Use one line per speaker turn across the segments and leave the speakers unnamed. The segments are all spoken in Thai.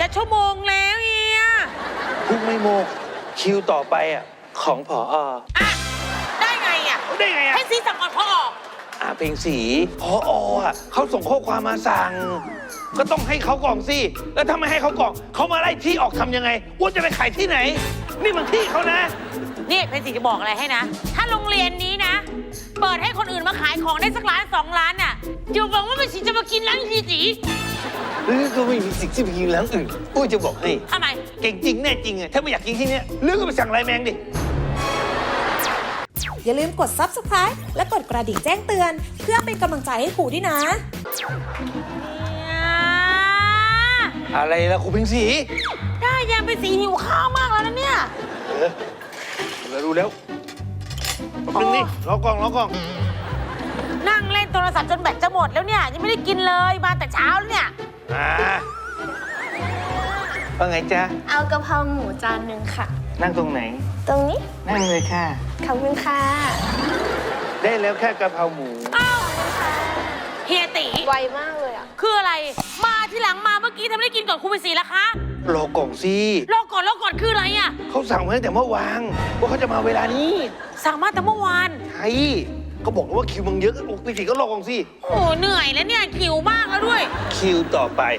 ชั่วโมงแล้วเฮีย
พรุ่งไม่โมกคิวต่อไปอ่ะของผอ.
ได้ไงอ่ะให้ซีสั่งก่อนพอ
เพลงสีผอ.อ่ะเขาส่งข้อความมาสั่งก็ต้องให้เขาก่อนสิแล้วถ้าไม่ให้เขาก่อนเขามาไล่ที่ออกทำยังไงว่าจะไปขายที่ไหนนี่มันที่เขานะ
นี่เพนสีจะบอกอะไรให้นะถ้าโรงเรียนนี้นะเปิดให้คนอื่นมาขายของได้สัก1 ล้าน 2 ล้านน่ะอย่าหวังว่าเพนสีจะมากินร้านทีสี
หรือก็ไม่มีสิทธิ์ที่ไปกินร้านอื่นอุ้ยจะบอกให้
ทำไม
เก่งจริงแน่จริงอะถ้าไม่อยากกินที่เนี้ยหรือก็ไปสั่งไลน์แมนดิ
อย่าลืมกด Subscribe และกดกระดิ่งแจ้งเตือนเพื่อเป็นกำลังใจให้ครูด้วยนะ
อะไรล่ะครูพิงสี
ได้ยังเป็นสีหิวข้าวมากแล้วนะเนี่ย
เรารู้แล้วนึงนี่รอกล่อง
นั่งเล่นโทรศัพท์จนแบตจะหมดแล้วเนี่ยยังไม่ได้กินเลยมาแต่เช้าแล้วเนี่ย
ว่าไงจ๊ะ
เอากะเพราหมูจานหนึ่งค่ะ
นั่งตรงไหน
ตรงนี้
นั่งเลยค่ะ
ขอบคุณค่ะ
ได้แล้วแค่กะเพราหมู
อ้าวเฮียตี
ไวมากเลยอ่ะ
คืออะไรมาที่หลังมาเมื่อกี้ทำไมได้กินก่อนครูเป็นสีล่ะคะ
รอกล่องสิ
รอก่อนคืออะไรอ่ะ
เขาสั่งมาตั้งแต่เมื่อวานว่าเขาจะมาเวลานี้
สั่งมาแต่เมื่อวาน
ใช่เขาบอกว่าคิวมึงเยอะพี่สีก็รอกล่องสิ
โอ้เหนื่อยแล้วเนี่ยคิวมากแล้วด้วย
คิวต่อไป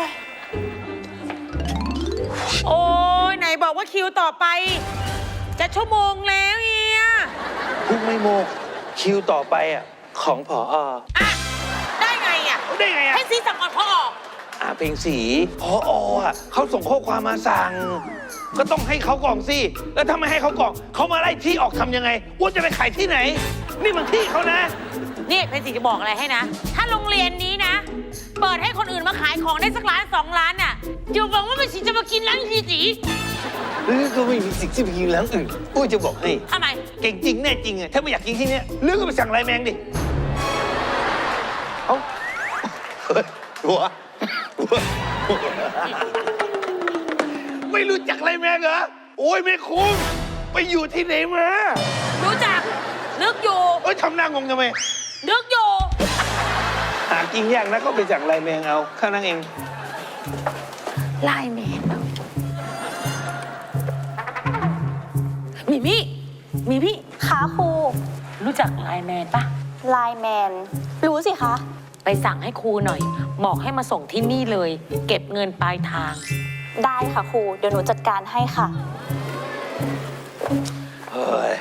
โอ้ยไหนบอกว่าคิวต่อไปจะชั่วโมงแล้วเฮีย
พรุ่งไม่โมกคิวต่อไปอ่ะของผอ.
ได้ไงอ่ะให้ซีสั่งก่อนพอ
เพลงสีผอ.อ่ะเขาส่งข้อความมาสั่งก็ต้องให้เขาก่อนสิแล้วถ้าไม่ให้เขาก่อนเขามาไล่ที่ออกทำยังไงว่าจะไปขายที่ไหนนี่มันที่เขานะ
นี่เพนสีจะบอกอะไรให้นะถ้าโรงเรียนนี้นะเปิดให้คนอื่นมาขายของได้สัก1 ล้าน 2 ล้านน่ะอย่าหวังว่าเพนสีจะมากินร้านทีสี
หรือก็ไม่มีสิทธิ์ที่ไปกินร้านอื่นอุ้ยจะบอกให้
ทำไม
เก่งจริงแน่จริงอะถ้าไม่อยากกินที่เนี้ยหรือก็ไปสั่งไลน์แมนดิเอ้าหัวไม่รู้จักไลน์แมนเหรอโอ้ยไม่คุ้มไปอยู่ที่ไหนมา
รู้จักนึกอยู่
ทำหน้างงทำไม
นึกอยู่
หากินยากนะก็ไปสั่งไลน์แมนเอาข้านั่งเอง
ไลน์แมนมีพี่
ขาครู
รู้จักไลน์แมนปะ
ไลน์แมนรู้สิคะ
ไปสั่งให้ครูหน่อยบอกให้มาส่งที่นี่เลยเก็บเงินปลายทาง
ได้ค่ะครูเดี๋ยวหนูจัดการให้ค่ะ
เฮ้ย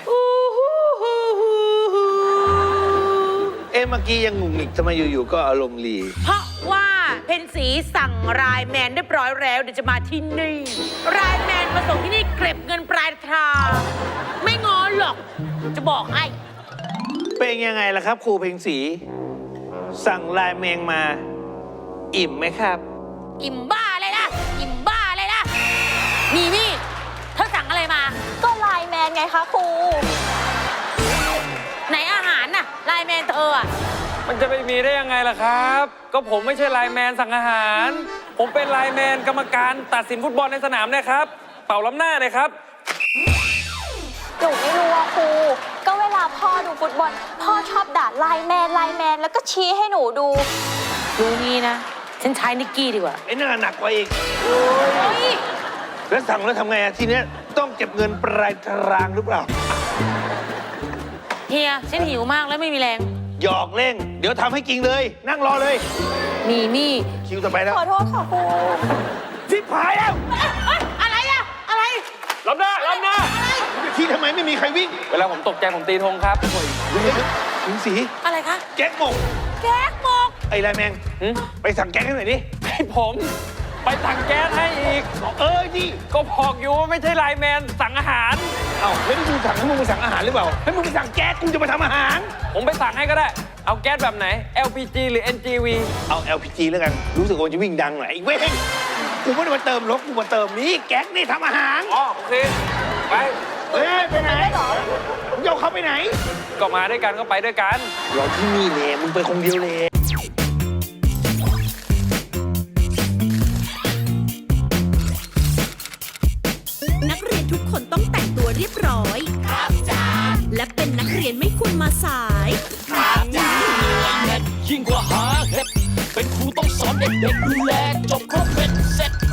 เมื่อกี้ยังงุ่งหงิกทำไมอยู่ๆก็อารมณ์รี
เพราะว่าเพนสีสั่งไลน์แมนเรียบร้อยแล้วเดี๋ยวจะมาที่นี่ไลน์แมนมาส่งที่นี่เก็บเงินปลายทางไม่งอหรอกจะบอกให้
เป็นยังไงล่ะครับครูเพลงสีสั่งไลน์แมนมาอิ่มไหมครับ
อิ่มบ้าเลยนะมีเธอสั่งอะไรมา
ก็ไลน์แมนไงคะครู
ไหนอาหารน่ะไลน์แมนเธออะ
มันจะไปมีได้ยังไงล่ะครับก็ผมไม่ใช่ไลน์แมนสั่งอาหารผมเป็นไลน์แมนกรรมการตัดสินฟุตบอลในสนามนะครับเป่าล้ำหน้าเลยครับ
หนูไม่รู้ว่าครูก็เวลาพ่อดูฟุตบอลพ่อชอบด่าไลน์แมนแล้วก็ชี้ให้หนูดู
รู้งี้นะฉันใช้นิกกี้ดีกว่า
ไอ้นั่นหนักกว่าอีกแล้วสั่งแล้วทำไงอะทีเนี้ยต้องเก็บเงินปลายทางหรือเปล่า
เฮียฉันหิวมากแล้วไม่มีแรง
หยอกเล่นเดี๋ยวทำให้กินเลยนั่งรอเลย
มี
คิวต่อไปแล้ว
ขอโทษค่ะครู
ชิบหายแล้ว
อะไร
ล้ำหน้า
ที่ทำไมไม่มีใครวิ่ง
เวลาผมตกใจผมตีธงครับ
ถึงสี
อะไรคะ
แก๊กหมกไอ้ไลน์แมนไปสั่งแก๊กให้หน่อยดิ
ให้ผมไปสั่งแก๊สให้อีก
ดิ
ก็บอกอยู่ว่าไม่ใช่ไลน์แมนสั่งอาหาร
ไม่ได้ดูสั่งให้มึงไปสั่งอาหารหรือเปล่าให้มึงไปสั่งแก๊สกูจะมาทำอาหาร
ผมไปสั่งให้ก็ได้เอาแก๊สแบบไหน LPG หรือ NGV
เอา LPG แล้วกันรู้สึกว่าจะวิ่งดังหน่อยไอ้เว้ยกูไม่ได้มาเติมรถกูมาเติมนี่แก๊สนี่ทำอาหาร
โอเคไป
ไหนมึงจะเขาไปไหน
ก็มาด้วยกันก็ไปด้วยกัน
รอที่นี่เลยมึงไปคนเดียวเลย
นักเรียนทุกคนต้องแต่งตัวเรียบร้อยครับจ้าและเป็นนักเรียนไม่ควรมาสายครับจ้า
ยิ่งกว่าหาเห็ดเป็นครูต้องสอนเด็กๆดูแลจบครบเป็นเสร็จ